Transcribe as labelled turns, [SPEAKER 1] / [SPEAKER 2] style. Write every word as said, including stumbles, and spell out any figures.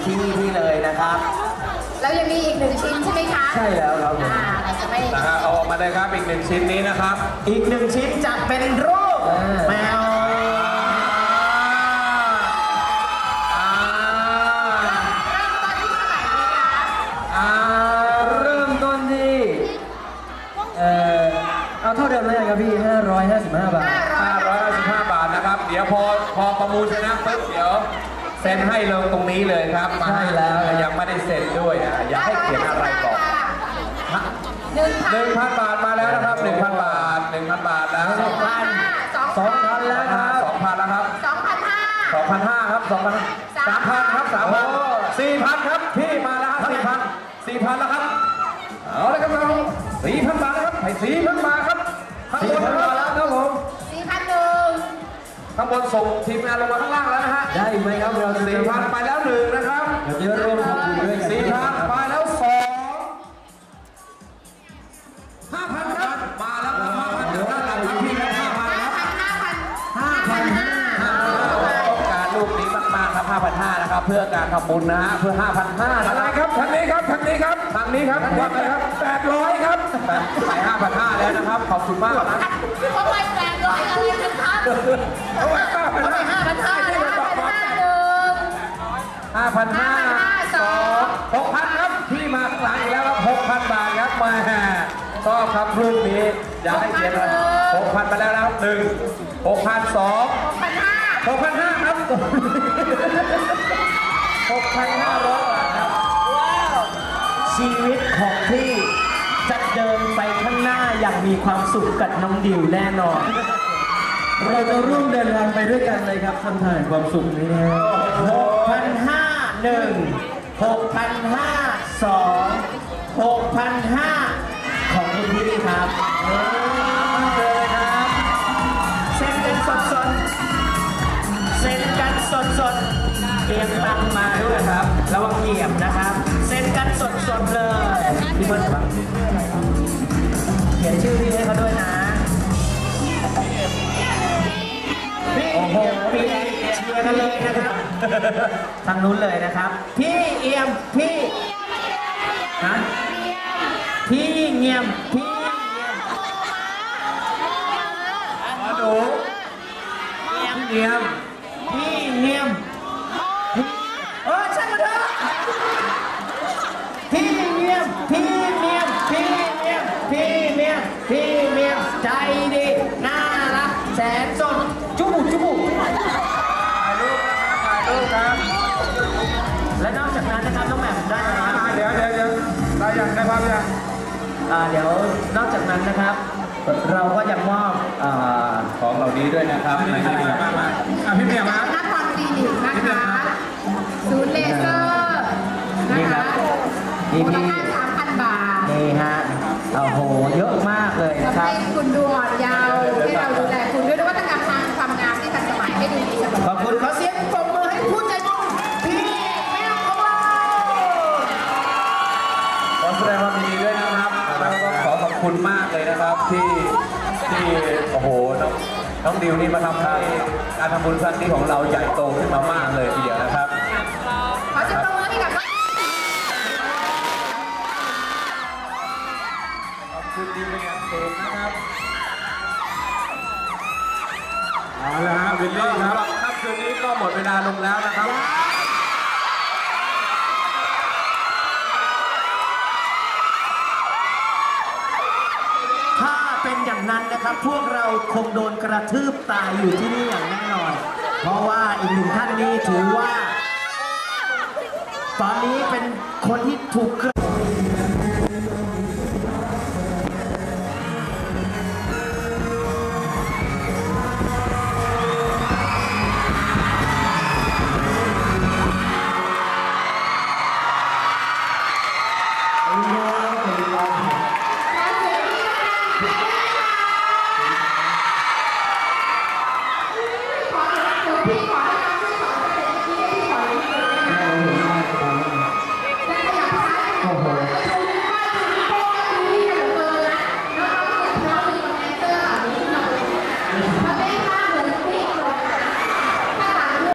[SPEAKER 1] ที่ที่เลยนะครับ
[SPEAKER 2] แล้วยังมีอีกหนึ่งชิ้นใช่ไหมคะ
[SPEAKER 1] ใช่แล้วครับ
[SPEAKER 2] อ่าเราจะไม่
[SPEAKER 3] นะฮะเอาออกมาเลยครับอีกหนึ่งชิ้นนี้นะครับ
[SPEAKER 1] อีกหนึ่งชิ้นจะเป็นรูปแมวเริ่มต้นที่เอ่อเอาเท่าเดิมเลยครับพี่ห้าร้อยห้าสิบห้าบาท
[SPEAKER 3] ห้าร้อยห้าสิบห้าบาทนะครับเดี๋ยวพอพอประมูลชนะปุ๊บเดี๋ยวเซ็นให้ลงตรงนี้เลยครับ
[SPEAKER 1] ใช่แล้ว
[SPEAKER 3] ยังไม่ได้เซ็นด้วยนะอยากให้เขียนอะไรก่อนหนึ่งพันบาทมาแล้วนะครับหนึ่งพันบาทหนึ่งพันบาทแล้ว
[SPEAKER 1] สองพันสองพันแล้วครับ
[SPEAKER 3] สองพันแล้วครับ
[SPEAKER 2] สองพันห้า
[SPEAKER 3] สองพันห้าครับสองพันสามพันครับสามพันสี่พันครับพี่มาแล้วครับสี่พันสี่พันแล้วครับเอาเลยครับเราสี่พันบาทนะครับให้สี่พันบาทครับข้างบนมาแล้วครับผม
[SPEAKER 2] สี่พันหนึ่ง
[SPEAKER 3] ข้างบนส่งทีมงานลงมาข้างล่างแล้วนะฮะ
[SPEAKER 1] ได้ไหมครับเรา
[SPEAKER 3] สี่พันไปแล้วหนึ่งนะครับ
[SPEAKER 1] เดี๋ยวจะรวมทำบุญด้วยกัน
[SPEAKER 3] สี่พันไปแล้วสองห้าพันครับมาแล้วห้าพันเดี๋ยวด้านหลังครับพี่ครับห้าพันครับ
[SPEAKER 2] ห้าพัน
[SPEAKER 1] ห้าพันห้า
[SPEAKER 3] ต้องการลูกนี้มากๆครับห้าพันห้านะครับเพื่อการทำบุญนะฮะเพื่อห้าพันห้าอะไรครับทางนี้ครับทางนี้ครับทางนี้ครับว่าไงครับแปดร้อยครับไปห้าพันห้าแล้วนะครับขอบคุณมากนะ
[SPEAKER 2] เขาไปแปดร้อยอะไรกันครับ
[SPEAKER 3] เขาไปห้าพันห้า
[SPEAKER 2] ห้าพันห้าห้าพันห้าหนึ่ง
[SPEAKER 3] ห้าพันห้าสองหกพันครับพี่มาหลังอีกแล้วครับหกพันบาทครับมาชอบครับลูกนี้อยากให้เขียนเลยหกพันไปแล้วนะครับหนึ่งหกพันสอง
[SPEAKER 2] หกพันห้า
[SPEAKER 3] หกพันห้าครับหกพันห้าร้อยบาทครับ
[SPEAKER 1] ชีวิตของพี่จะเดินไปข้างหน้าอย่างมีความสุขกับน้องดิวแน่นอนเราจะร่วมเดินทางไปด้วยกันเลยครับท่านท่านความสุขนี้นะหกพันห้าหนึ่งหกพันห้าสองหกพันห้าของคุณพี่ครับเลยครับเซ็นกันสดสดเซ็นกันสดสดเตรียมตังมาด้วยครับระวังเหยียบนะครับเซ็นกันสดสดเลยพี่เบิร์ดครับเขียนชื่อพี่ให้เขาด้วยนะโอ้โหพี่เชียร์กันเลยนะครับทางนู้นเลยนะครับพี่เอี่ยมพี่ฮะพี่เงียมพี่
[SPEAKER 3] มาดูพี่เงียม
[SPEAKER 1] พี่เงียมเออช่างมันเถอะพี่เงียมพี่เงียมพี่เงียมพี่เงียมพี่เงียมใจดีน่ารักแสนสดจุบุจุบุ
[SPEAKER 3] ถ่ายรูปนะครับถ่ายรูปครับ
[SPEAKER 1] และนอกจากนั้นนะครับน้องแหม่มได้ไหมครับ
[SPEAKER 3] เดี๋ยวเดี๋ยวเดี๋ยวได้ยังได้ภาพยัง
[SPEAKER 1] อ่าเดี๋ยวนอกจากนั้นนะครับเราก็ยังมอบ
[SPEAKER 3] ของเหล่านี้ด้วยนะครับในที่นี้มาพี่เมียมา
[SPEAKER 2] นักบอลคลินิกนะคะศูนย์เลเซอร์นะคะมูลค่าสามพันบาท
[SPEAKER 1] นี่ฮะโอ้โหเยอะมากเลยนะครับ
[SPEAKER 2] ให้คุณดูอ่อนเยาว์ให้เราดูแลคุณด้วยนวัตกรรมทางความงามที่ทันสมัยให้ดูดีเสมอ
[SPEAKER 1] ขอบคุณขอเสียงปรบมือให้ผู้ใจบุญพี่แมวของเรา
[SPEAKER 3] ขอแสดงความยินดีด้วยนะครับแล้วก็ขอขอบคุณมากเลยนะครับที่ที่โอ้โหน้องน้องดิวนี่มาทำให้การทำบุญครั้งนี้ของเราใหญ่โตขึ้นมามากเลยทีเดียวนะครับ
[SPEAKER 2] ขอเสียงปรบมือให้กับ
[SPEAKER 3] ขอบคุณดิวเป็นอย่างสูงนะครับเอาละฮะวิลลี่ครับค่ำคืนนี้ก็หมดเวลาลงแล้วนะครับ
[SPEAKER 1] ถ้าเป็นอย่างนั้นนะครับพวกเราคงโดนกระทืบตายอยู่ที่นี่อย่างแน่นอนเพราะว่าอีกหนึ่งท่านนี้ถือว่าตอนนี้เป็นคนที่ถูกกระ